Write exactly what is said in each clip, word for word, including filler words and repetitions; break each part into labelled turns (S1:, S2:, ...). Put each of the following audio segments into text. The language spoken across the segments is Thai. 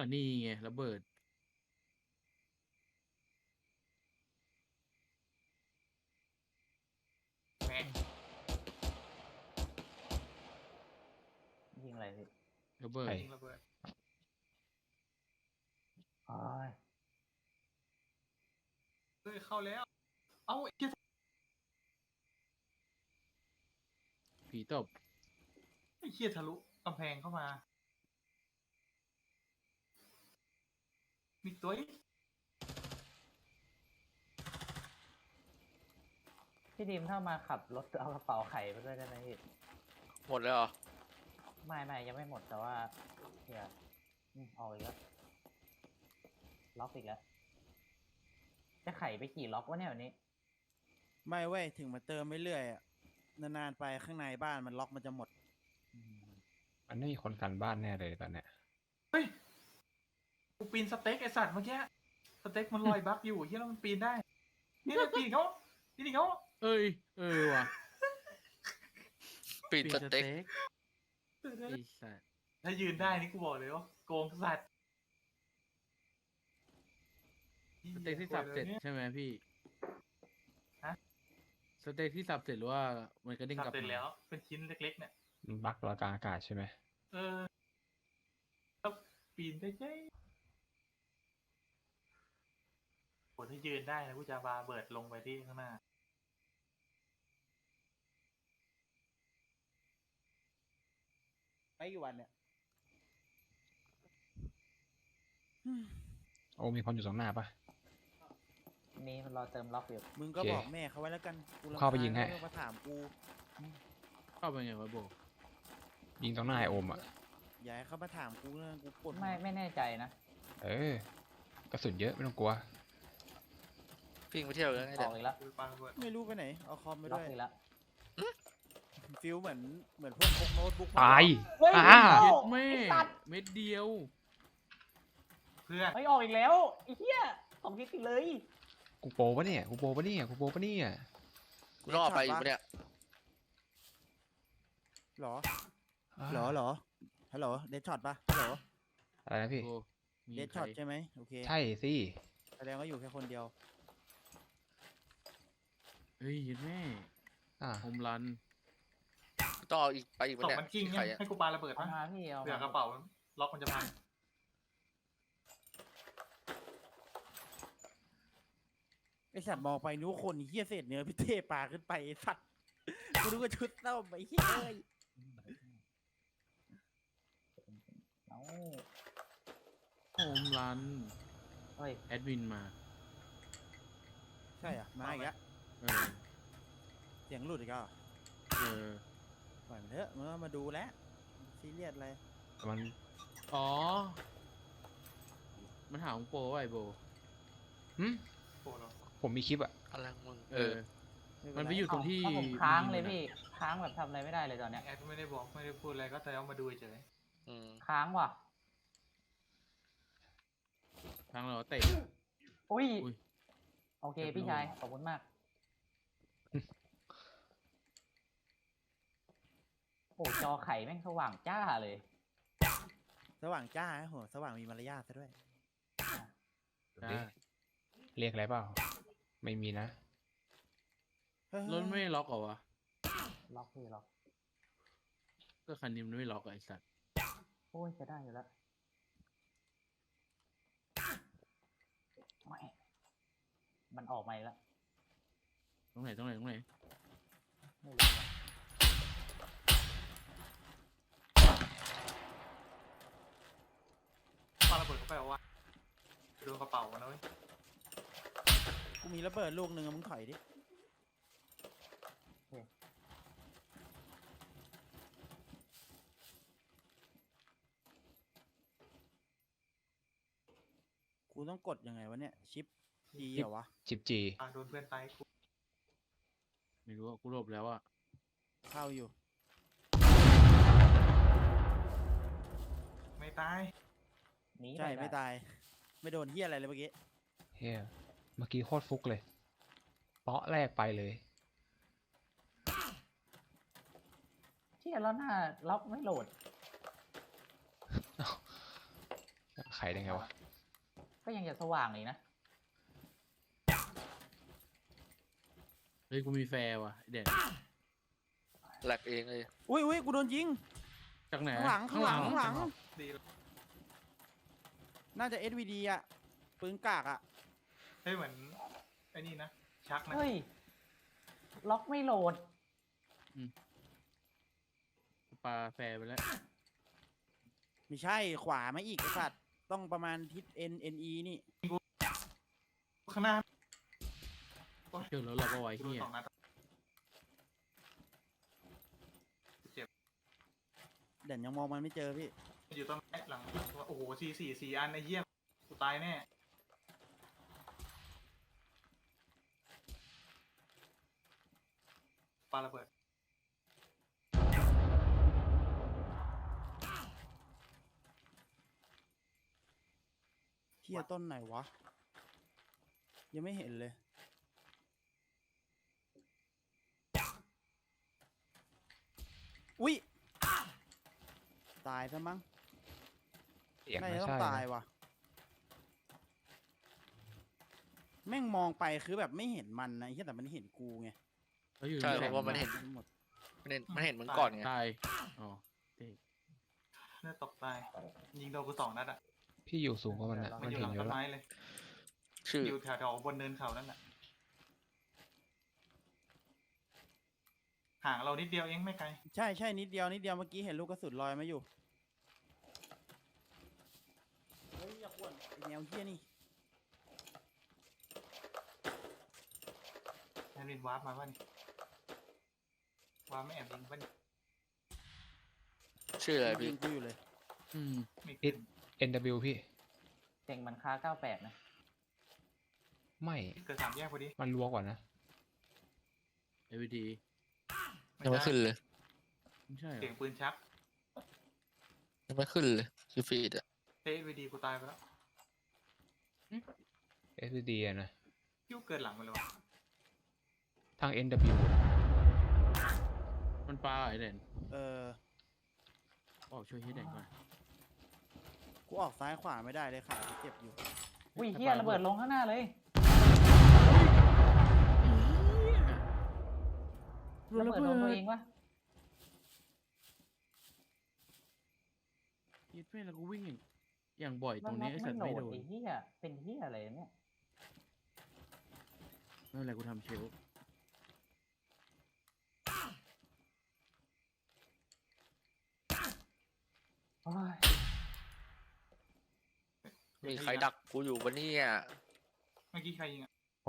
S1: อันนี้ไงระเบิด
S2: แม่
S3: ยิงอะไรพี่
S1: ระเบิด
S2: ยิงระเบิด
S3: โอ้ย
S2: เฮ้ยเข้าแล้ว เอ้าไอ้เหี้ย
S1: ผีตบ
S2: ไอ้เหี้ยทะลุกำแพงเข้ามา มีตัวอีก
S3: พี่ดีมถ้ามาขับรถเอากระเป๋าไข่ไปด้วยได้ไหมพี่
S4: หมดแล้วเหรอ
S3: ไม่ไม่ยังไม่หมดแต่ว่าเดี๋ยวอืมออกอีกแล้วล็อกอีกแล้วจะไขไปกี่ล็อกวะเนี่ยวันนี้
S5: ไม่เว้ยถึงมาเติมเรื่อยๆอะนานๆไปข้างในบ้านมันล็อกมันจะหมด
S6: มันไม่มีคนกันบ้านแน่เลยตอนเนี้ย
S2: เฮ้ย กูปีนสเต็กไอสัตว์เมื่อกี้ สเต็กมันลอยบั๊กอยู่เฮียแล้วมันปีนได้ นี่มันปีนเขาปีนเขา
S1: เอ้ยเออว่ะ
S4: ปีนสเต็ก
S1: ไอ้สัส
S2: ถ้ายืนได้นี่กูบอกเลยว่าโกงสัตว์
S1: สเต็กที่สับเสร็จใช่ไหมพี่
S2: ฮะ
S1: สเต็กที่สับเสร็จหรือว่ามันก็เด้ง
S2: สับ
S1: กลับ
S2: เสร็จ
S1: มา
S2: แล้ว เป็นชิ้นเล็กๆเนี่ย
S6: มันบั๊กลอยกลางอากาศใช่ไหม
S2: เออแล้วปีนได้เจ๊โหถ้ายืนได้นะกูจะบาเบิดลงไปที่ข้างหน้า
S5: ไปกี่วันเนี่ย
S6: โอ้มีคนอยู่ตรงหน้าปะ
S3: นี่มันรอเติมล็อกอยู่
S5: มึงก็
S6: โอเค
S5: บอกแม่เขาไว้แล้วกันกูรำคญ
S6: เข้าไปยิงให้
S5: แล้วมาถามกู
S1: เข้าไปไงวะโบ
S6: ยิงตรงหน้าไอโอมอ่ะ
S5: อย่าให้เขามาถามกูเรื่องกูปวดหัว
S3: ไม่ไม่แน่ใจนะ
S6: เออกระสุนเยอะไม่ต้องกลัว
S4: วิ่งไปเที่ยวเลยไง
S3: อ
S4: เดี๋ย
S3: อ
S4: ว
S3: กอีกแล้ว
S2: กูปาระเบิด
S5: ไม่รู้ไปไหนเอาคอมไป
S3: ล็อ
S5: ด้
S3: ก
S5: วย
S3: อีกแล้ว
S5: ฟิลเหมือนเหมือนพวกพกโน้ตบุ๊กม
S6: ตาย
S3: เฮ้ย
S6: อ่า
S1: เย็ดแม่
S3: ไอ้สัตว์
S1: เม็ดเดียว
S2: เพื่อน
S3: ไม่ออกอีกแล้วไอ้เหี้ยสองทิศติดเลย
S6: กูโปรปะเนี่ยกูโปรปะเนี่ยกูโปรปะเนี่ย
S4: กูต้องออกไปอยู่ปะเนี่ย
S5: หรอ
S6: อ่า
S5: หรอหรอฮัลโหลเดดช็อตปะฮัลโหล
S6: อะไรนะพี่
S1: โบมี
S5: เดด
S1: ใคร
S5: ช็อตใช่ไหมโอเค
S6: ใช่สิ
S5: แสดงว่าอยู่แค่คนเดียว
S1: เฮ้ยเย็ดแม่
S6: อ่า
S1: โฮมรัน
S4: กูต้องเอาอีกไปอีก
S2: ต
S4: ปะ
S2: ก
S4: เนี่ย
S2: มันกิ้ง
S4: ใคร
S2: เนี่ย
S4: อะ
S2: ให้กูปาระเบิด
S3: เอา
S2: ปะ
S3: มาพี่เอา
S2: เผื่อ
S3: มาก
S2: ระเป๋าล็อกมันจะพัง
S5: ไอสัตว์มองไปนู้คนเฮี้ยเศษเนื้อพี่เทปลาขึ้นไปไอสัตว์กูนึกว่าชุดเต้าไปเฮี้ยเอ้ย
S3: เอา
S1: โฮมรัน
S3: เฮ้ย
S1: แอดมินมา
S5: ใช่อ่ะมาอีกแล้ว
S1: เออ
S5: เสียงหลุดอีกแล้ว
S1: เออ
S5: ปล่อยมันเถอะมึงเอามาดูแล้วซีเรียสอะไร
S6: มัน
S1: อ๋อ มันหาของโปรว่าไอโบ
S6: หึ
S2: โอ้โห
S6: ผมมีคลิปอ่ะ
S4: อะไรของมึง
S1: เอ
S4: เอ
S1: อ
S4: อ
S1: มันไปอยู่ตรงที่
S3: เาผมค้างเลย
S1: มี
S3: พี่ ค้างแบบทำอะไรไม่ได้เลยตอนเนี้ย
S2: แอดไม่ได้บอกไม่ได้พูดอะไรก็แต่เอามาดูเฉย
S4: อืม
S3: ค้างว่ะ
S1: ทางเราเตะ
S3: อุ้ย
S1: อุ้ย
S3: โอเค
S1: เรียบร้อย
S3: พี่ชาย ขอบคุณมาก โอ้จอไข่แม่งสว่างจ้าเลย
S5: สว่างจ้าฮะโหสว่างมีมารยาทซะด้วย
S1: จ้า
S6: เอ๊ะเรียกอะไรเปล่า ไม่มีนะ
S5: เฮ้ย
S1: รถไม่ล็อกเหรอวะ
S3: ล็อกพี่ล็อก
S1: ก็คันนี้มันไม่ล็อกอะไอสัตว์
S3: โอ้ยจะได้อยู่แล้วไม่มันออกมาอีกแล้ว
S1: ตรงไหนตรงไหนตรงไหน
S3: ไม่รู้ว่ะ
S2: ๆปาระเบิดเข้าไปเอาว่าโดนกระเป๋านะเว้ย
S5: กูมีระเบิดลูกหนึ่งอะมึงถอยดิกูต้องกดยังไงวะเนี่ยชิปดีเหรอวะ
S6: ชิปจี
S2: อ่ะโดนเพื่อนตายกู
S1: ไม่รู้อะกูหลบแล้วอะ
S5: เข้าอยู่
S2: ไม่ตาย
S3: หนี
S5: ใช่
S3: ป
S5: ไม่
S3: ด้
S5: ตาย ไม่โดนเฮี้ยอะไรเลยเมื่อกี้
S6: เฮียเมื่อกี้โคตรฟุกเลย เปาะแรกไปเลย
S3: เชี่ยแล้วหน้าล็อกไม่โหลด
S6: ใครไขได้ไงวะ
S3: ก็ยังจะสว่างอีกนะ
S1: เฮ้ยกูมีแฟร์ว่ะไอ้เด่น
S4: แหลกเองเลย
S5: อุ้ยอุ้ยกูโดนยิง
S1: จากไหน
S5: ข้างหลังข้างหลังข้างหลัง
S2: ดี
S5: น่าจะ เอส วี ดี อ่ะปืนกากอ่ะ
S2: เฮ้ยเหมือนไอ้นี่นะชักนะ
S3: เฮ้ย ล็อกไม่โหลด
S1: ปลาแฟร์ไปแล้ว
S5: ไม่ใช่ขวามาอีกไอ้สัตว์ต้องประมาณทิศ N N E นี่
S2: ข้างหน้า
S1: เชื่อแล้วเราก็ไว้
S2: กูโดน
S1: เฮีย
S2: สองนัด
S5: เด่นยังมองมันไม่เจอพี่
S2: อยู่ต้นไม้หลังโอ้โหสี่สี่สี่อันไอ้เหี้ยกูตายแน่ปาระเบิด
S5: เทียต้นไหนวะ ยังไม่เห็นเลย อุ๊ย ตายซะมั้ง
S6: เสียง
S5: น่า
S6: ไม่
S5: จะต้อ
S6: ใช่
S5: งตาย
S6: นะ
S5: ว่ะ แม่งมองไปคือแบบไม่เห็นมันนะไอ้เหี้ยแต่มันเห็นกูไง
S1: เขาอยู่
S4: ใช่
S1: ใน
S4: เพ
S1: แข่ง
S4: ราะว่ามันเห็น
S5: หมด
S4: มันเห็นมันเห็นมึงก่อนไง
S1: ตายอ๋อเท่
S2: เลือดตกตายยิงโดนกูสองนัดอ่ะ
S6: พี่อยู่สูงกว่ามันอะ
S2: มั
S6: มัน น
S2: อยู่
S6: เห็
S2: ห
S6: น
S2: ลัง
S6: อยู่
S2: ต้น
S6: แล้ว
S2: ไม้เลย
S4: ชื่อ
S2: อยู่แถวๆบนเนินเขานั่นแหละห่างเรานิดเดียวเองไม่ไกล
S5: ใช่ใช่นิดเดียวนิดเดียวเมื่อกี้เห็นลูกกระสุนลอยมาอยู่ เฮ้ยอย่าขวนไอแนวเฮี้ยนี่
S2: แอนวินวาร์ปมาป่ะนี่วาร์ปไม่แอบยิงป่ะนี่
S4: ชื่ออะไร
S5: ยิ
S4: พี่
S5: งกูอยู่เลย
S1: อืม
S2: ไม่ขึ้น
S6: เอ็น ดับเบิลยู พี่
S3: เจ๋งมันค่าเก้าแปดนะ
S6: ไม่
S2: เกิดสามแยกพอดี
S6: มันรัวกว่านะ
S1: เอวีดี
S4: ยังไม่ขึ้นเลย
S1: ไม่ใช่เหร
S2: เสียง
S1: อ
S2: ปืนชัก
S4: ยังไม่ขึ้นเลยคือฟีดอะ
S2: เอสวีดีกูตายไปแล้ว
S6: เอส ดี อะนะ
S2: ยิ้วเกินหลังไปเลยวะ
S6: ทาง เอ็น ดับเบิลยู
S1: มันปลาไอ้เด่น
S5: เออ
S1: ออกช่วยให้เด่นก่อน
S5: กูออกซ้ายขวาไม่ได้เลยขากูเจ็บอยู่
S3: อุ้ยเฮียระเบิดลงข้างหน้าเลย ระเบิดลงตัวเองวะ
S1: ยิดแม่แล้วกูวิ่งอย่างอย่างบ่อยต
S3: มั
S1: ร
S3: น
S1: ง
S3: ล็อ
S1: นี้
S3: ก
S1: ไอ้
S3: ไม่
S1: สัตว์
S3: โหล
S1: ไม่
S3: ด
S1: โดน
S3: ไอ้เฮียเป็นเฮียอะไรเนี่ย
S1: ไม่เป็นไรกูทำเชลฟ์
S3: โอ้ย
S4: มีใครดักกูอยู่ปะเนี่ย
S2: เมื่อกี้ใครยิงอ่ะ
S6: ผม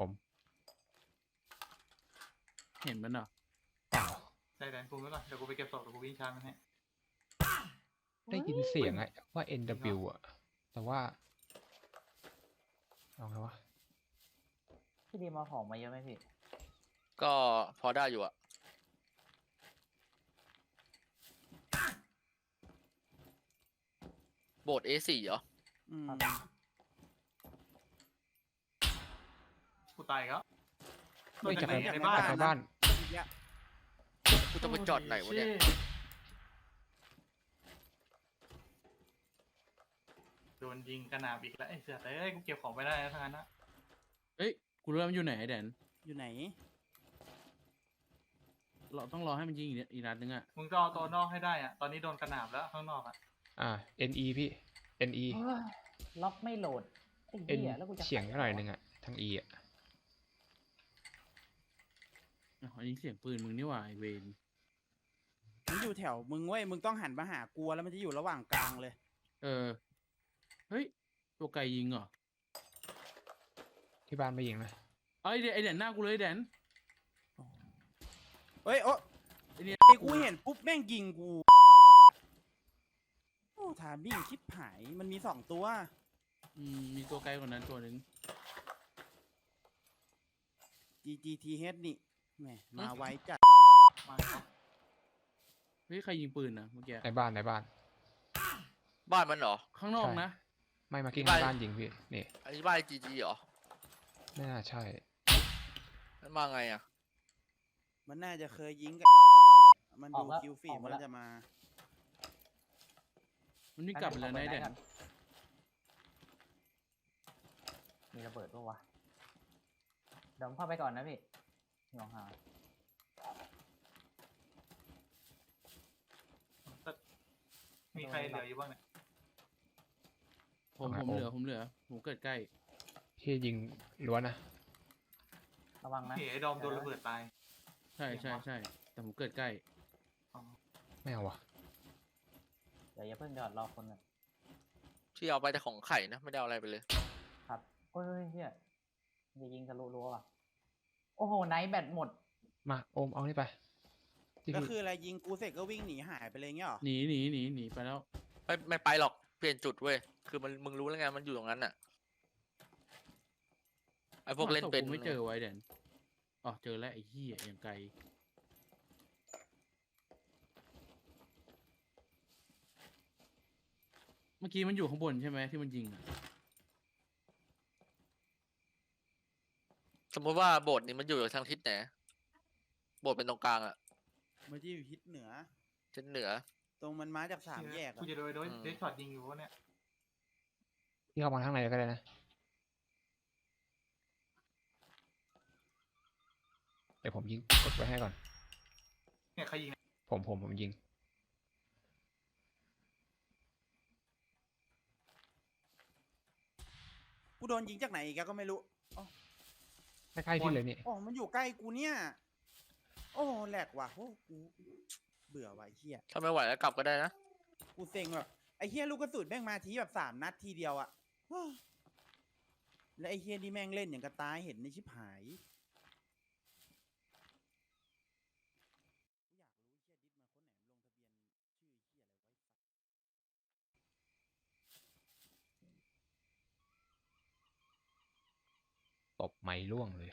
S1: เห็นมันเหรอ
S6: เปล่า
S2: ได้แดนกูไว้ก่อนเดี๋ยวกูไปเก็บศพเดี๋ยวกูวิ่งชาร์จมันให้
S6: ได้ยินเสียงอะว่า เอ็น ดับเบิลยู อะแต่ว่าเอาไงวะ
S3: พี่ดีมาของมาเยอะไหมพี่
S4: ก็พอได้อยู่อะโบสถ์ เอ สี่ เหรอ
S5: อืม
S2: กูตายอีกแล้ว
S6: ไม่จาก
S2: ใน
S6: ใน
S2: ในบ้าน
S6: จากในบ้าน
S5: อีกแล้ว
S4: กูต้องไปจอดไหนวะเนี่ย
S2: โดนยิงกระหน่ำอีกแล้วไอ้เสือเอ้ยกูเก็บของไม่ได้แล้วทั้งนั้นนะ
S1: เอ้ยกูรู้แล้วมันอยู่ไหนไอ้เด่น
S5: อยู่ไหน
S1: เราต้องรอให้มันยิงอีกนิดอีกนัดนึงอ่ะ
S2: มึงต้องเอาตัวนอกให้ได้อ่ะตอนนี้โดนกระหน่ำแล้วข้างนอกอ่ะ
S6: อ่า เอ็น อี พี่ เอ็น อี
S3: โอ้ยล็อกไม่โหลดไอ้
S6: เอ็น
S3: เฮียแล้วกูจะ
S6: เฉียงหน่อยหนึงอะทาง E อะ
S1: อ้าวอันนี้เสียงปืนมึงนี่หว่าไอเวน
S5: มันอยู่แถวมึงเว้ย มึงต้องหันมาหากูแล้วมันจะอยู่ระหว่างกลางเลย
S1: เออ เฮ้ย ตัวไก่ยิงเหรอ
S6: ที่บ้านไม่ยิงนะ
S1: เอาไอเดนไอเด่นหน้ากูเลยไอ้เด่น
S5: เฮ้ย โอ้
S1: ไอเนี่ย
S5: ไอ้กูเห็นปุ๊บแม่งยิงกู โอ้ถามบิ่งคิดหาย มันมีสองตัว
S1: อืมมีตัวไกลกว่านั้นตัวหนึ่ง
S5: G G T H นี่แหมมาไว้จัด
S2: มาครับ
S1: เฮ้ยใครยิงปืนนะเมื่อกี้
S6: ในบ้านในบ้าน
S4: บ้านมันเหรอ
S1: ข้างนอก
S6: ใช่
S1: นะ
S6: ไม่มากี้
S4: บ้าน
S6: ในบ้านยิงพี่ นี่
S4: อันนี้บ้านจีจีเหรอ
S6: ไม่น่าใช่
S4: มันมาไงอะ
S5: มันน่าจะเคยยิงกับ มันดูคิวฟีดมันจะมา
S1: มันนี่กลับไปแล้วนะไอเด่น
S3: มีระเบิดปะวะเดี๋ยวผมเข้าไปก่อนนะพี่ลองหา
S2: มีใครเหลืออยู่บ้างเนี่ย
S1: ผม
S6: เอา
S1: ผม
S6: ไง
S1: เหลือ
S6: โอม
S1: ผมเหลือ ผมเกิดใกล้
S6: พี่ยิงล้วนนะ
S3: ระวังนะ
S2: เฮ้ยไอ้ดอมโดนระเบิดตาย
S1: ใช่ใช่ใช่แต่ผมเกิดใกล้
S2: อ๋อ
S6: ไม่เอาวะ
S3: เดี๋ยวอย่าเพิ่งหยอดรอคนหนึ่ง
S4: ที่เอาไปแต่ของไข่นะ ไม่ได้เอาอะไรไปเลย
S3: ครับโอ้ยเฮียจะยิงทะลุรั้วว่ะโอ้โหไนท์แบตหมด
S6: มาโอมเอานี่ไปที่
S5: ก็
S6: พี่
S5: คืออะไรยิงกูเสร็จก็วิ่งหนีหายไปเลยเงี้ยเหรอ
S1: หนีหนีหนีหนีไปแล้ว
S4: ไม่ไม่ไปหรอก เปลี่ยนจุดเว้ย คือมันมึงรู้แล้วไง มันอยู่ตรงนั้นน่ะ ไอ้พวกเล่นเป็น
S1: หาศพกูไม่เจอไว้เด่นอ๋อเจอแล้วไอ้เหี้ยอย่างไกล เมื่อกี้มันอยู่ข้างบนใช่ไหมที่มันยิงอ่ะ
S4: สมมติว่าโบสถ์นี้มันอยู่ทางทิศไหน โบสถ์เป็นตรงกลางอะ
S5: มันจะอยู่ทิศเหนือ
S4: ทิศเหนือ
S5: ตรงมันมาจากสามแยก
S2: กู
S5: อะ
S2: จะโดนโดน
S4: อืม
S2: เดชช็อตยิงอยู่วะเนี่ย
S6: พี่เข้ามาข้างในก็ได้นะเดี๋ยวผมยิงกดไว้ให้ก่อน
S2: เนี่ยใครยิงเนี่ย
S6: ผมผมผมยิง
S5: กูโดนยิงจากไหนอีกอะก็ไม่รู้
S6: ใกล้ๆพี่เลยนี่
S5: อ๋อมันอยู่ใกล้กูเนี่ย โอ้แหลกว่ะโอ้กูเบื่อว่ะไอ้เฮีย
S4: ถ้าไม่ไหวแล้วกลับก็ได้นะ
S5: กูเซ็งแบบไอ้เฮียลูกกระสุนแม่งมาทีแบบสามนัดทีเดียวอะว้าแล้วไอ้เฮียนี่แม่งเล่นอย่างกระตายเห็นในชิบหาย
S6: ตบไม้ร่วงเลย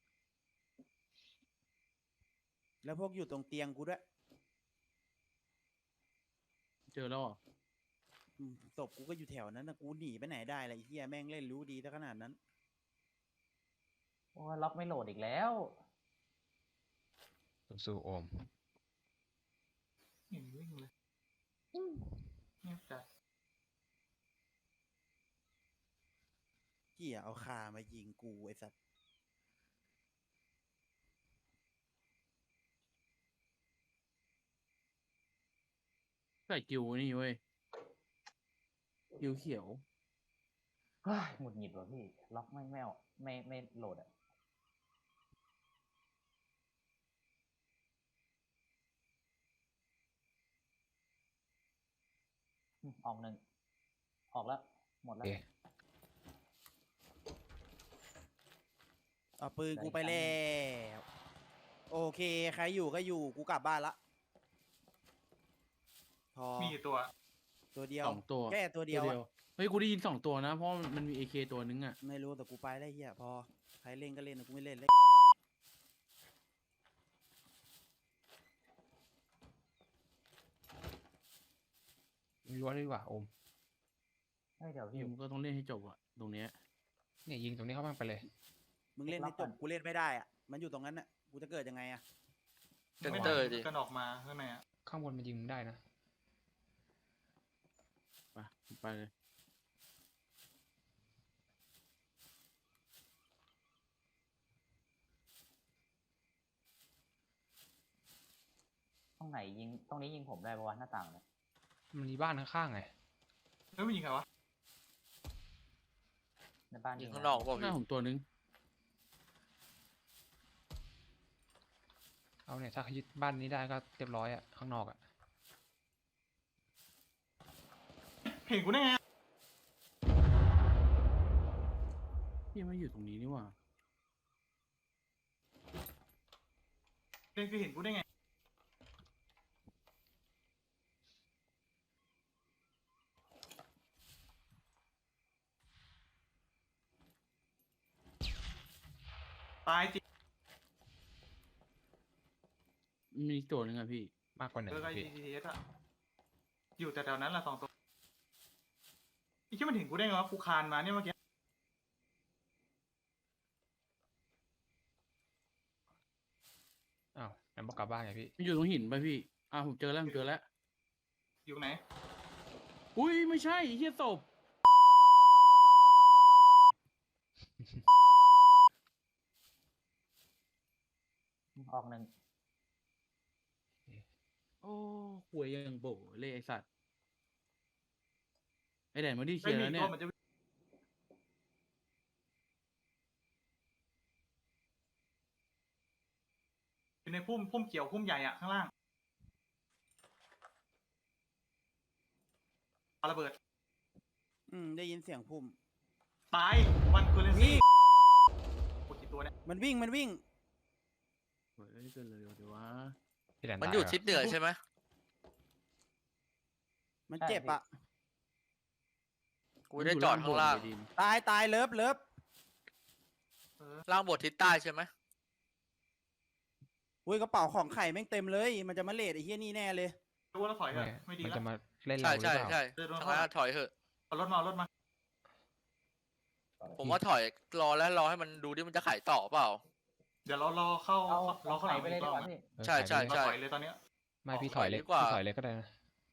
S5: แล้วพวกอยู่ตรงเตียงกูด้วย
S1: เจอแล้วเหรอ
S5: อืมศพกูก็อยู่แถวนั้นนะกูหนีไปไหนได้ล่ะไอ้เฮียแม่งเล่นรู้ดีซะขนาดนั้น
S3: โอ้ยล็อกไม่โหลดอีกแล้ว
S6: สู้ๆโอม
S2: เห็นวิ่งเลยเงียบจัด
S5: เฮียเอาคามายิงกูไอ้สัตว์
S1: ใส่กิวนี่เว้ยกิวเขียว
S3: เฮ้ยหงุดหงิดว่ะพี่ ล็อกไม่ไม่เอาไม่ไม่โหลดอ่ะอืมออกหนึ่ง ออกแล้ว หมด
S6: โอ
S3: แล้ว
S6: เค
S5: เอาปืน
S3: ได้
S5: กูไป
S3: อีกอันหนึ่
S5: แล้
S3: ง
S5: วโอเค ใครอยู่ก็อยู่กูกลับบ้านละพอ
S2: มีกี่ตัว
S5: ตัวเดียว
S1: สองตัว
S5: แค่ตัวเดียวอะ
S1: เฮ้ย กูได้ยินสองตัวนะ เพราะมันมีเอเคตัวนึงอ่ะ
S5: ไม่รู้แต่กูไปแล้วเฮียพอใครเล่นก็เล่นนะกูไม่เล่นเลย
S6: ยิงล้วนเลยดีกว่าโอม
S3: เฮ้ยเดี๋ยว
S1: พี่
S3: พี่
S1: มันก็ต้องเล่นให้จบอ่ะ ตรงเนี้ย
S6: เนี่ยยิงตรงนี้เข้าบ้างไปเลย
S5: มึงเล่นให้จบกูเล่นไม่ได้อ่ะมันอยู่ตรงนั้นน่ะกูจะเกิดยังไงอ่ะ
S4: เซ็นเตอร์ดิ
S2: กันออกมาข้างในอ่ะ
S6: ข้างบนมันยิงมึงได้นะ
S1: ไปไปเลย
S3: ตรงไหนยิง ตรงนี้ยิงผมได้ปะวะหน้าต่างเลย
S6: มันมีบ้านข้างๆไง
S2: เฮ้ยมันยิงใครวะ
S3: ในบ้าน
S4: ยิง
S3: ะ
S4: ข้างนอกเปล่า
S1: หน้า
S4: พี่
S1: ผมตัวนึง
S6: เอาเนี่ยถ้ายึดบ้านนี้ได้ก็เรียบร้อยอะข้างนอกอะ
S2: เห็นกูได้ไงอะ
S1: พี่ไม่อยู่ตรงนี้นี่หว่า
S2: เล่นคือเห็นกูได้ไง ตายจริง
S1: มีอีกตัวนึงอ่ะพี่
S6: มากกว่าหนึ่ง
S2: เจอไอ้
S6: พี่
S2: จีทีเอสอะอยู่แต่แถวนั้นแหละสองตัวไอ้ที่มันเห็นกูได้ไงวะกูคานมาเนี่ยเมื่อกี้
S6: อ้าวงั้นบอกกลับบ้านไงพี่
S1: มันอยู่ตรงหินไปพี่ อ่าผมเจอแล้วผมเจอแล้ว
S2: อยู่ไหน
S1: อุ้ยไม่ใช่ไอ้เฮียศพ
S3: ออกหนึ่ง
S1: โอ้หวยยังโบเลยไอสัตว์ไอแดนมาที่เคลี
S2: ไม่
S1: ยร์
S2: มี
S1: แล้ว
S2: ตั
S1: เนี่
S2: วย มันจะอยู่ในพุ่มพุ่มเขียวพุ่มใหญ่อะข้างล่างปาระเบิด
S5: อืมได้ยินเสียงพุ่ม
S2: ตายวันคูเลนซี่หมดกี่ตัวเนี่ย
S5: มันวิ่งมันวิ่ง
S1: หวยเกินเลยเดี๋ยววะ
S6: พี่แดน
S4: มัน
S6: ตา
S4: อยู่
S6: เหร
S4: ทิศเหนือใช่ไหม
S5: มันเจ็บอะ
S4: กูได้จอดข้างล่าง
S5: ตายตายเลิฟเลิฟ
S4: ล่างโบสถ์ทิศใต้ใช่ไหม
S5: อุ้ยกระเป๋าของไข่แม่งเต็มเลย มันจะมาเลดไอ้เฮียนี่แน่เลย
S2: รู้ว่าเราถอยเถ
S6: ไม่
S2: อะไม่ดี
S6: มัน
S2: แล้ว
S6: จะมาเล่น
S4: ใช่
S6: เราหรือ
S4: ใช่
S6: เปล่า
S4: ใช่
S2: เดิน
S4: ทาง
S2: เข้า
S4: นั้น
S2: มา
S4: อะถอยเถอะ
S2: เอารถมาเอารถมา
S4: ผมว่าถอยรอแล้วรอให้มันดูดิมันจะขายต่อเปล่า
S2: เดี๋ยวเรารอเข้า
S3: เอา
S2: รอเข้าห
S3: ไข่
S2: ลัง
S3: ไปเลย
S2: อีก
S3: ดี
S2: รอบ
S3: กว่า
S2: นะ
S3: พี่
S6: เออ
S4: ใช่
S6: ขายไป
S4: ใช่
S6: เลย
S2: เราถอยเลยตอนเนี้ย
S6: ไม่พี่
S4: อ
S6: ถ
S4: อก
S6: อยเลย
S4: ดีกว่า
S6: พี่ถอยเลยก็ได้นะ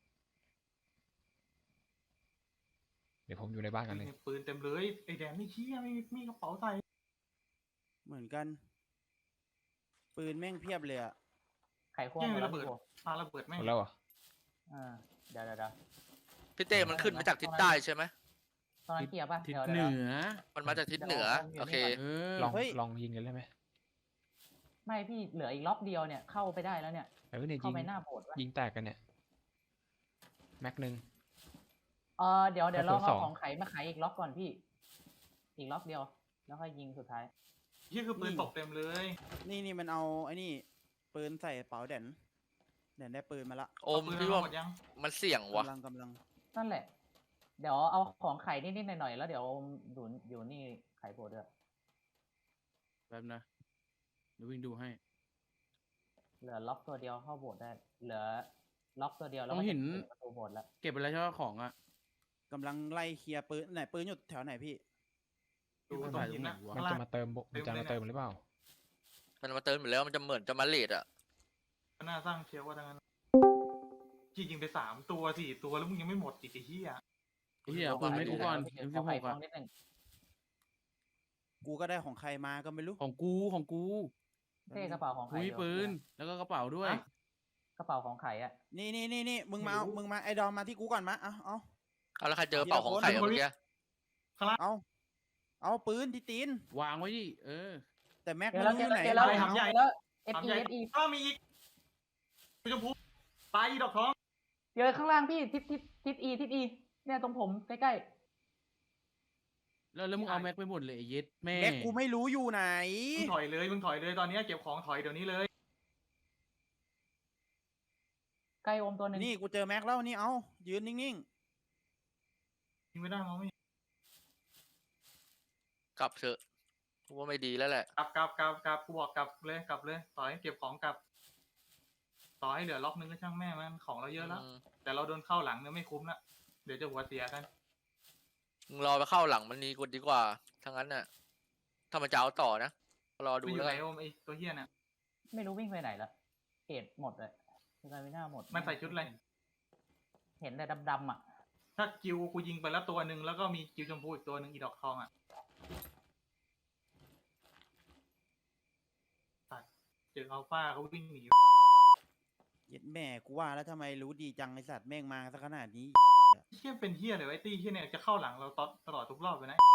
S6: เดี๋ยวผมอยู่ในบ้านกันเลย
S2: ปืนเต็มเลยไอ้แดนไม่เชี่ยไม่มีมีกระเป๋าใส่
S5: เหมือนกัน ปืนแม่งเพียบเลยอะ
S3: ไข่ควงหมดแล้วพี่โบ
S2: ปาระเบิดแม่ง
S6: หมดแล้วเหรอ
S3: อ่าเดี๋ยวเดี๋ยวเดี๋ยว
S4: พี่เต้มันขึ้นมาจากทิศใต้ใช่ไหม
S3: ตอนนั้นเคลียร์ป่ะ
S1: ทิศ
S3: เดี๋ยว
S1: เห
S3: เดี๋ยว
S1: นือ
S4: มันมาจากทิศเหนือ โอเค
S1: เออ
S6: ลองลองยิงกันได้ไหม
S3: ไม่พี่เหลืออีกล็อกเดียวเนี่ยเข้าไปได้แล้วเนี่ย
S6: เออเนี่ย
S3: เข้า
S6: ยิง
S3: ไปหน้าโบสถ์วะ
S6: ยิงแตกกันเนี่ยแม็กหนึ่ง
S3: เออเดี๋ยวเดี๋ยว
S6: แล้
S3: เรา
S6: วตัวส
S3: เอา
S6: อง
S3: ของไขมาไขอีกล็อกก่อนพี่ อีกล็อกเดียว แล้วค่อยยิงสุดท้าย
S2: นี่คือปืนตกเต็มเลย
S5: นี่นี่มันเอาไอ้นี่ ปืนใส่กระเป๋าแดนแดนได้ปืนมาละ
S4: โอม
S2: เปืน
S4: พี่
S2: เรา
S4: ว่า
S2: หมดยัง
S4: มันเสี่ยงวะ
S5: กำลังกำลัง
S3: นั่นแหละ เดี๋ยวเอาของไข่นิดๆหน่อยๆแล้วเดี๋ยวอยู่อยู่นี่ไข่โบสถ์ด้วย
S1: แป๊บนะเดี๋ยววิ่งดูให้
S3: เหลือล็อกตัวเดียวเข้าโบสถ์ได้ เหลือล็อกตัวเดียวแล้ว
S1: ต้อง
S3: ก็จะ
S1: เห็น
S3: ปิดประตูโบสถ์แล้ว
S1: เก็บไปแล้วใช่ไหมของอ่ะ
S5: กำลังไล่เคลียร์ปืนไหนปืนอยู่แถวไหนพี่
S2: ดู
S1: มัน
S2: ตรง
S1: ถ่าย
S2: หินนะ
S1: ตรงไหนวะ
S6: มัน
S2: ข้าง
S6: จะ
S2: ล่าง
S6: มาเติมโบมันจะมาเติมหรือเปล่า
S4: มันมาเติมอยู่แล้วมันจะเหมือนจะมาเลดอะ
S2: หน้าสร้างเชียวว่าทั้งนั้นที่ยิงไปสามตัวสี่ตัวแล้วมึงยังไม่หมดอีกไอ้เหี้ย
S1: ไอ้เหี้ยเอาปืนไม่กูก่อน
S3: เดี๋ยว
S1: เอ็ม
S3: ข
S1: สิ
S3: อบ
S1: ห
S3: ไข่
S1: ก
S3: ฟอ
S1: อ่ะ
S3: งนิดนึง
S5: กูก็ได้ของใครมาก็ไม่รู้
S1: ของกูของกู
S3: เท่กระเป๋าของ
S1: กู
S3: ไข่
S1: มี
S3: อยู่
S1: ปืนแล้วก็กระเป๋าด้วย
S2: ฮะ
S3: กระเป๋าของไข่อะ
S5: นี่นี่นี่นี่มึงมาเอามึงมาไอ้ดอมมาที่กูก่อนมาเอาเอา
S4: เอาแล้วใครเจอเป่าของไข่อะเมื่อกี้
S2: ข้างล่าง
S5: เอาเอาปืนที่ตีน
S1: วางไว้ดิเออ
S5: แต่แม็ก
S3: เจอ
S5: ไม่
S3: แล้ว
S5: รู้
S3: เจ
S5: อ
S3: อยู่ แล้ว
S5: ไหน
S3: เจอแล้ว
S2: ทำใหญ่
S3: เจอแล้ว F
S2: ทำ
S3: E
S2: ใหญ่
S3: F E
S2: อ้าวมีอีกสีชมพูตายอีดอกทอง
S3: เจอข้างล่างพี่ทิศทิศทิศ E ทิศ E เนี่ยตรงผมใกล้
S1: แล้วแล้วมึงเอาแม็กไปหมดเลยไอ้เย็ดแม่
S5: แม็กกูไม่รู้อยู่ไหน
S2: มึงถอยเลยมึงถอยเลยตอนเนี้ยเก็บของถอยเดี๋ยวนี้เลย
S3: ๆใกล้โอมตัวหนึ่ง
S5: นี่กูเจอแม็กแล้วนี่เอายืนนิ่ง
S2: ยิงไม่ได้มองไม่เห็น
S4: กลับเถอะกูว่าไม่ดีแล้วแหละ
S2: กลับกลับกลับกลับกูบอกกลับเลยกลับเลยต่อให้เก็บของกลับ ต่อให้เหลือล็อกนึงก็ช่างแม่มันของเราเยอะแล้ว
S4: อืม
S2: แต่เราโดนเข้าหลังเนี่ยไม่คุ้มละเดี๋ยวจะหัวเสียกัน
S4: มึงรอไปเข้าหลังมันนี้กูดีกว่าทั้งนั้นน่ะถ้ามันจะเอาต่อนะรอดู
S2: มันอยู่
S4: แล้ว
S2: ไหน
S4: กัน
S2: โอมไอตัวเฮียเนี่ย
S3: ไม่รู้วิ่งไปไหนละเกตหมดเลยสกายไม่น่าหมด
S2: มันใส่ชุดอะไร
S3: เห็นแต่ดำๆอ่ะ
S2: ถ้ากิวกูยิงไปแล้วตัวหนึ่งแล้วก็มีกิวชมพูอีกตัวหนึ่งอีดอกทองอ่ะตัดเจออัลฟาเขาวิ่งหนี
S5: ๆเย็ดแม่กูว่าแล้วทำไมรู้ดีจังไอสัตว์แม่งมาซะขนาดนี้
S2: เฮียเป็นเฮียเลยไอ้ตี้เฮียเนี่ยจะเข้าหลังเราตลอดทุกรอบเลยนะ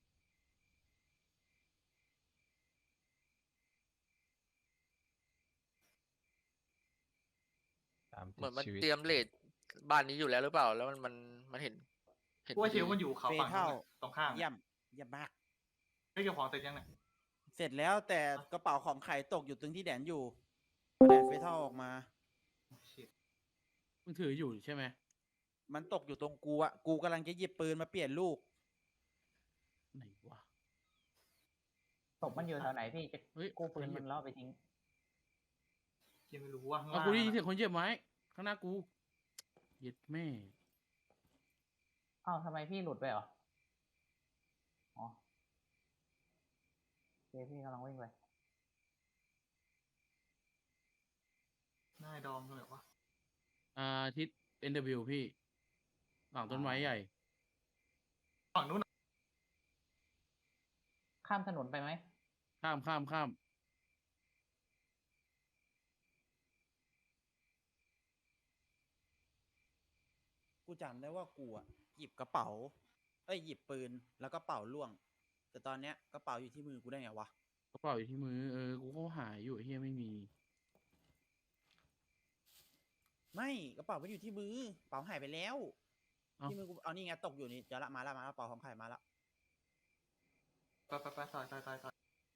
S6: ตาม
S4: เหมือนมัน
S6: ชีวิต
S4: เตรียมเลดบ้านนี้อยู่แล้วหรือเปล่า แล้วมันมันมันเห็นเห็น
S2: กูว่าเชล
S4: ดี
S2: มันอยู่เขาฝั่งนู้นน่ะตรงข้าม
S5: เยี่ยมเยี่ยมมาก
S2: ไม่เก็บของเสร็จยังเนี่ย
S5: เสร็จแล้วแต่กระเป๋าของไข่ตกอยู่ตรงที่แดนอยู่แดนเฟเท่าออกมา
S2: ชิบ
S1: มึงถืออยู่ใช่ไหม
S5: มันตกอยู่ตรงกูอะกูกำลังจะหยิบปืนมาเปลี่ยนลูก
S1: ไหนวะ
S3: ศพมันอยู่แถวไหนพี่จะ
S1: เฮ้ย
S3: กู้ปืนมันล่อไปทิ้ง
S2: เฮียไม่รู้ว่าข้าง
S1: เอา
S2: ล่าง
S1: กูได้ยินเสีย
S2: อะ
S1: งคนเหยียบไม้ข้างหน้ากูเย็ดแม่
S3: อ้าวทำไมพี่หลุดไปเหรอ อ๋อเจพี่กำลังวิ่งไป
S2: หน้าไอ้ดอมเลยว่า
S1: อ่าทิศ เอ็น ดับเบิลยู พี่หลังต้นไม้ใหญ่
S2: ฝั่งนู้น
S3: ใคข้ามถนนไปไหม
S1: ข้ามข้ามข้าม
S5: กูจำได้ว่ากูอะหยิบกระเป๋า เอ้ยหยิบปืนแล้วกระเป๋าล่วง แต่ตอนเนี้ยกระเป๋าอยู่ที่มือกูได้ไงวะ
S1: กระเป๋าอยู่ที่มือเออกูก็หายอยู่ไอ้เฮียไม่มี
S5: ไม่กระเป๋ามันอยู่ที่มือกระเป๋าหายไปแล้ว
S1: เอ้า
S5: ที่มือกูเอานี่ไงตกอยู่นี่เดี๋ยวละมาละมาละกระเป๋าของใครมาละ
S2: ไปไปไปต่อยต่อยต่อยต่อย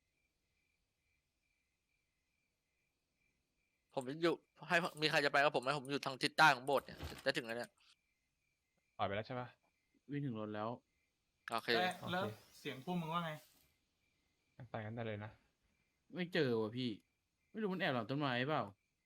S4: ผมอยู่ให้มีใครจะไปกับผมไหมผมอยู่ทางทิศใต้ของโบสถ์เนี่ยจะถึงแล้วเนี่ย
S6: ปล่อยไปแล้วใช่ปะ
S1: วิ่งถึงรถแล้ว
S4: โอเค
S2: แล้ว
S6: โอเค
S2: แล้วเสียงพวกมึงว่าไง
S6: ไปกันได้เลยนะ
S1: ไม่เจอว่ะพี่ ไม่รู้มันแอบหลังต้นไม้เปล่า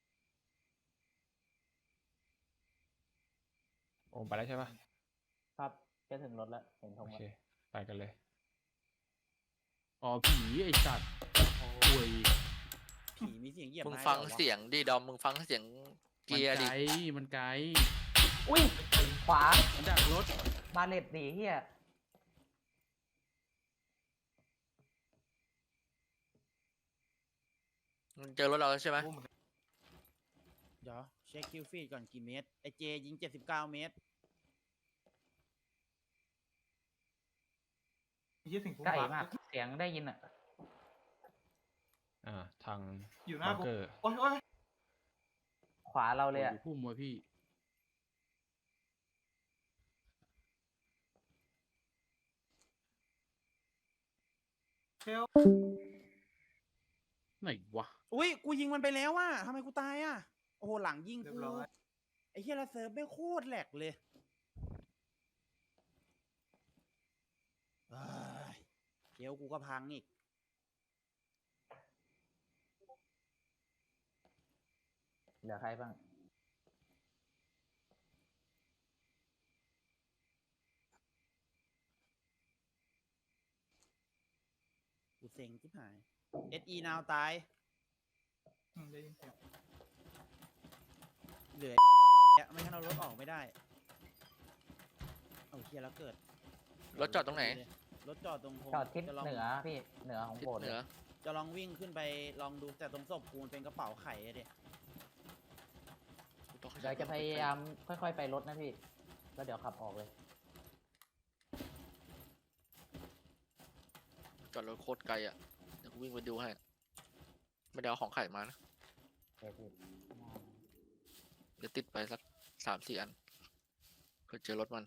S6: โอมไปแล้วใช่ปะ
S3: ครับจะถึงรถแล้วเห็นธ
S6: โอง
S3: แล้ว
S6: เค ไปกันเลย
S1: อ๋อผีไอ้สัตว์ป่วย
S5: ผีมีเสียงเหยียบ
S4: มึง
S5: ไม้
S4: ฟัง
S5: ด้วยหรอวะ
S4: เสียงดิดอมมึงฟังเสียงเกี
S1: มัน
S4: ยร์
S1: ไก
S4: ดิ
S1: ลมันไกล
S3: อุ้ยขวา
S1: มันดักรถ
S3: บาเลตดีเฮีย
S4: มึงเจอรถเราแล้วใช่ไหม
S2: พวกมึง
S5: เดี๋ยวเช็คคิวฟีดก่อนกี่เมตรไอเจยิงเจ็ดสิบเก้าเมตร
S2: ยี่สิงพวก
S3: ใกล้
S2: บั
S3: มากเสียงได้ยินอ่ะ
S6: อ่า ทาง
S2: อยู่หน้า
S6: บัง
S2: กู
S6: เกอร์
S2: โอ้ยโอ้ย
S3: ขวาเราเลยอ่ะ
S1: พุ่มว่ะพี่
S2: เทล
S1: ไหนวะ
S5: อุ้ยกูยิงมันไปแล้วว่ะทำไมกูตายอ่ะ โอ้โหหลังยิง
S2: เรีย
S5: กู
S2: บร้อย
S5: ไอ้เฮียละเซิร์ฟไม่งโคตรแหลกเลยเอ้ยเดี๋ยวกูก็พังอีก
S3: เหลือใครบ้าง
S5: กูเซ็งที่หาย เอส อี นาวตาย
S2: อืมได้ยินเสียง
S5: เหลือ ไม่งั้นเรารถออกไม่ได้ เอาเฮียแล้วเกิด
S4: รถจอดตรงไหน
S5: รถจอดตรงผม
S3: จอดทิศ
S5: จะลอง
S3: เหนือพี่เหนือของ
S4: ทิศ
S3: โบสถ์
S4: เหนือ
S5: จะลองวิ่งขึ้นไปลองดูแต่ตรงศพกูมันเป็นกระเป๋าไข่อะเด็
S3: เดี๋ยวจะพยายามค่อยๆไปรถนะพี่ แล้วเดี๋ยวขับออกเลย
S4: จอดรถโคตรไกลอ่ะเดี๋ยวกูวิ่งไปดูให้ไม่ได้เอาของไข่มานะ
S3: เดี๋ยวพี่
S4: เดี๋ยวติดไปสักสามสี่อันเพื่อเจอรถมัน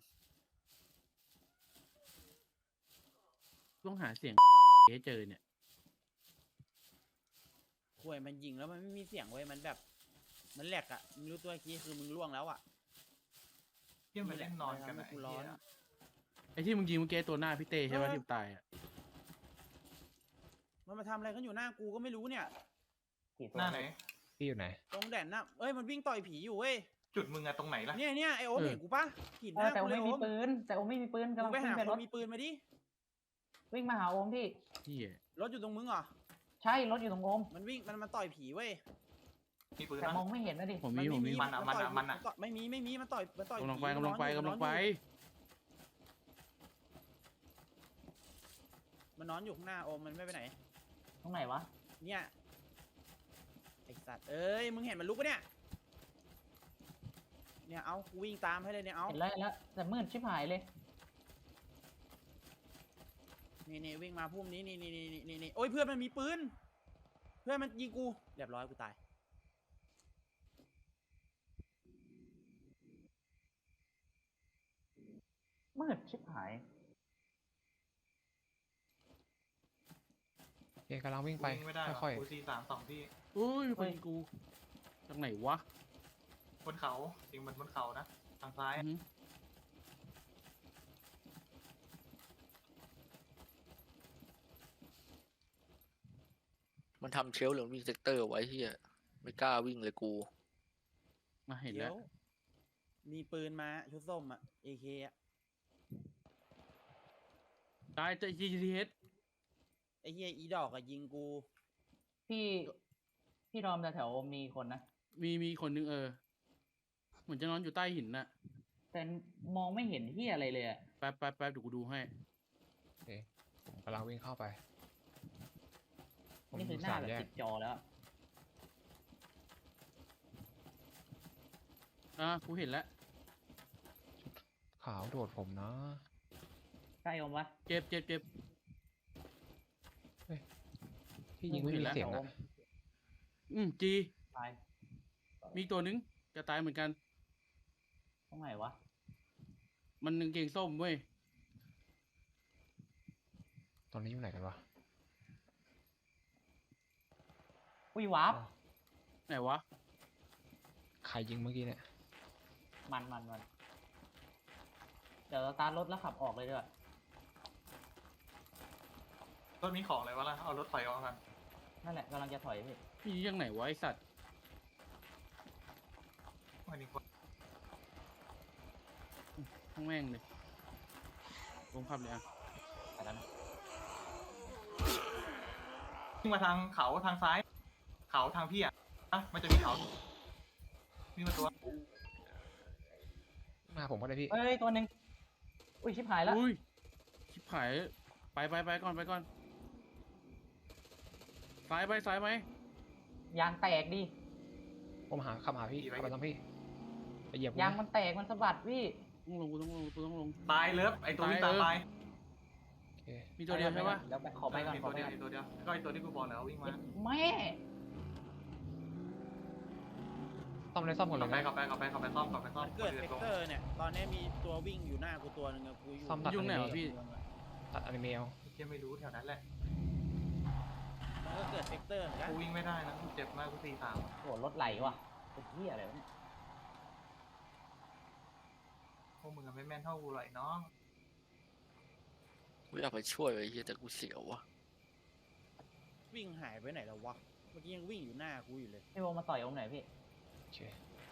S1: ต้องหาเสียง ให้เจอเนี่ย
S5: ข่วยมันยิงแล้วมันไม่มีเสียงเว้ยมันแบบ มันแหลกอะไม่รู้ตัวกี้คือมึงล่วงแล้วอะ
S2: เที่ยงไปเล่นนอนกัน
S5: ทำให้
S2: นะ
S5: กูร้อน
S1: ไอ้ที่มึงยิงเมื่อกี้ตัวหน้าพี่เต้ใช่ปะ
S5: เออ
S1: ที่ตายอ่ะ
S5: มันมาทำอะไรกันอยู่หน้ากูก็ไม่รู้เนี่ย
S3: กี่ตัว
S2: หน้าไหน
S6: พี่อยู่ไหน
S5: ตรงแดนน่ะเอ้ยมันวิ่งต่อยผีอยู่เว้ย
S2: จุดมึงอะตรงไหนล่ะ
S5: เนี่ยเนี่ยไอโอม
S1: เออ
S5: เห็นกูปะขีดห
S3: เออ
S5: น้า
S3: แต่
S5: กู
S3: โอม
S5: เลย
S3: ไม่
S5: โอ
S3: มี
S5: ม
S3: ปืน แต่โอมไม่มีปืน
S5: มึ
S3: กำลั
S5: ง
S3: ง
S5: ไป
S3: ขึ้
S5: หาน
S3: ไป
S5: ค
S3: ร
S5: น
S3: ถ
S5: มีปืนมาดิ
S3: วิ่งมาหาโอมพี่
S1: ที่
S5: รถอยู่ตรงมึงเหรอ
S3: ใช่รถอยู่ตรงโอม
S5: มันวิ่งมันมาต่อยผีเว้ย
S2: มีปืน
S3: แต่
S2: นะ
S3: มองไม่เห็นนะดิ
S1: ผมมีผมมี
S2: มันอะมันอะ
S5: ต่ย
S2: มันอะ
S5: ต่ยไม่มีไม่มีมันต่อยมันต่อย
S1: กำลังไป
S5: ผี
S1: กำลังไป
S5: มันนอนอยู่
S1: กำลังไป
S5: มันนอนอยู่ข้างหน้าโอมมันไม่ไปไหน
S3: ตรงไหนวะ
S5: เนี่ยไอสัตว์เอ้ยมึงเห็นมันลุกปะเนี่ยเนี่ยเอากูวิ่งตามให้เลยเนี่ยเอา
S3: เห็นแล้วเห็นแล้วแต่มืดชิบหายเลย
S5: นี่นี่วิ่งมาพุ่มนี้นี่นี่นี่นี่นี่โอ้ยเพื่อนมันมีปืนเพื่อนมันยิงกูเรียบร้อยกูตาย
S3: มืดชิบหาย
S6: โอเคกำลังวิ่งไป
S2: วิ่งไม่ได้หรอ
S6: ค่อย
S2: กูซีสามสองที่
S1: อุ้ยมีคนยิงกูจากไหนวะ
S2: บนเขาจริงมันบนเขานะทางซ้าย
S1: อือหือ
S4: มันทำเชลฟ์หรือวิ่งเซกเตอร์ไว้ที่ไม่กล้าวิ่งเลยกู
S1: มาเห็น
S5: เดี๋
S1: แล้
S5: ยว วมีปืนมาชุดส้มอะเอเคอะ
S1: ตายแต่ จี ที เอส
S5: ไอเฮียอีดอกอะยิงกู
S3: พี่พี่รอมแต่แถวโอมมีคนนะ
S1: มีมีคนนึงเออ เหมือนจะนอนอยู่ใต้หินน่ะ
S3: แต่มองไม่เห็นที่อะไรเลยอะ
S1: แป๊บแป๊บแป๊บเดี๋ยวกูดูให้
S6: ๆโอเคผมกำลังวิ่งเข้าไปผม
S3: นี่คือ
S6: ดู
S3: หน้า
S6: สาม
S3: แบบ
S6: แยก
S3: ติดจอแล้ว
S1: อ่ะกูเห็นแล้ว
S6: ขาวโดดผมนะ
S3: ใกล้อมวะ
S1: เจ็บเจ็บเจ็บ
S6: ที่ยิงไม่
S1: เห็น
S6: มี
S1: แล้ว
S6: เสียง
S3: โอ
S6: อะ
S3: ม
S1: อืมจี
S3: ตาย
S1: มีอีกตัวนึงจะตายเหมือนกัน
S3: ตรงไหนวะ
S1: มันกางเกงส้มเว้ย
S6: ตอนนี้อยู่ไหนกันวะ
S3: อุ้ยวาร์ป
S6: อ๋อ
S1: ไหนวะ
S6: ใครยิงเมื่อกี้เนี่ย
S3: มันมันมันเดี๋ยวเราตาร์ทรถแล้วขับออกเลยด้วย
S2: รถมีของอะไรวะล่ะ เอารถถอยออกกัน
S3: นั่นแหละกำลังจะถอยพี่
S1: พี่ยังไหนวะไอสัตว์
S2: ไม่ดีกว่า
S1: ทั้งแม่งเลยลงขับเลยอ่ะ
S3: ไปแล้วนะ
S2: วิ่งมาทางเขาทางซ้าย เขาทางพี่อ่ะอ่ะมันจะมีเขาวิ่งมาตัว
S6: มาผมก็ได้พี่
S3: เอ้ยตัวหนึ่งอุ้ยชิบหายแล้ว
S1: อุ้ยชิบหายไปไปไปก่อนไปก่อนซ้ายไปซ้ายไหม
S3: ยางแตกดิ
S6: ผมหาขับหาพี่ขับไปทางพี่ไปเหยียบผม
S3: ยาง
S6: นะ
S3: มันแตกมันสะบัดพี่
S1: ต้องลงกูต้องลงกูต้องลง
S2: ตายเลิฟไอตัวนี้
S1: ตา
S2: ตาย ย
S1: เออ
S2: ตาย
S6: โอเค
S1: มีตัวเดียวใช่ปะ
S3: เดี๋ยวไปขอไปก่อน
S2: มี
S3: ขอ
S2: ตัว
S3: ไป
S2: เดียว
S3: ก่อน
S2: มีตัวเดียวก็ไอตัวที่กูบอกแล้ววิ่งมา
S3: แม่
S6: ซ่อมเลยซ่อมก่อนเล
S2: ขับ
S6: ย
S2: ไป
S6: นะ
S2: ขับไปขับไปขับไปซ่อมขับไปซ่อม
S5: มันเกิดเฟกเตอร์เนี่ย ตอนนี้มีตัววิ่งอยู่หน้ากูตัวหนึ่งอะกูอยู่
S6: ซ่อมตัด
S1: ยุ่
S6: อง นิ
S1: ไหน
S6: เม
S1: วะพี่
S6: ตัดอนิเมล
S2: เชี่ยไม่รู้แถวนั้นแหละ
S5: มันก็เกิดเฟกเตอร์เหมือนกัน
S2: กูวิ่งไม่ได้นะกูเจ็บมากกูตีสาม
S3: โหรถไหลว่ะเป็นที่อะไรวะเนี่ย
S2: พวกมึงอะไม่แม่นเท่ากูหรอกไอ้น้อง
S4: กูอยากไปช่วยไอ้เหี้ยแต่กูเสียววะ
S5: วิ่งหายไปไหนแล้ววะ เมื่อกี้ยังวิ่งอยู่หน้ากูอยู่เลย
S3: พี่โบมาต่อยอมไหนอยพี่
S6: โอเค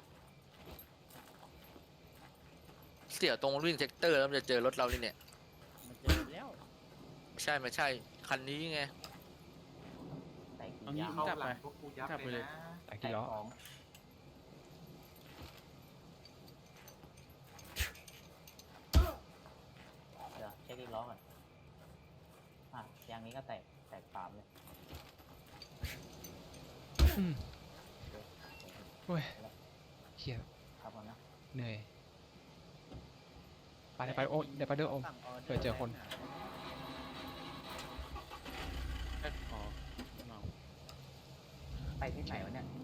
S4: เสียวตรงวิ่งเซกเตอร์แล้วมันจะเจอรถเรานี่เนี่ย
S5: มันเจอแล้ว
S4: ไม่ใช่ไม่ใช่ คันนี้ไง
S3: แตกกี่
S1: เอางี้
S3: ยาง
S2: เข้า
S1: จับ
S2: หลั
S1: ไป
S2: งพวกกูยับ
S1: จับไป
S2: เล
S1: เลย ย
S2: นะ
S6: แต่
S3: แต
S6: กี่
S3: ก
S6: ล้อ
S3: สองเดี๋ยวเช็คอีกล้อก่อนอ่ะยางนี้ก็แตกแตกสามเลย
S6: อืมโอ้ยเฮีย
S3: ครับผมนะ
S6: เหนื่อยไปเดี๋ยวไปโอ้เดี๋ยวไปเด้อโอม
S5: สั่งออเดอร์
S6: เผื่อเจอคน
S1: แค่อ๋อเมา
S3: ไปที่ไหนวะเนี่ย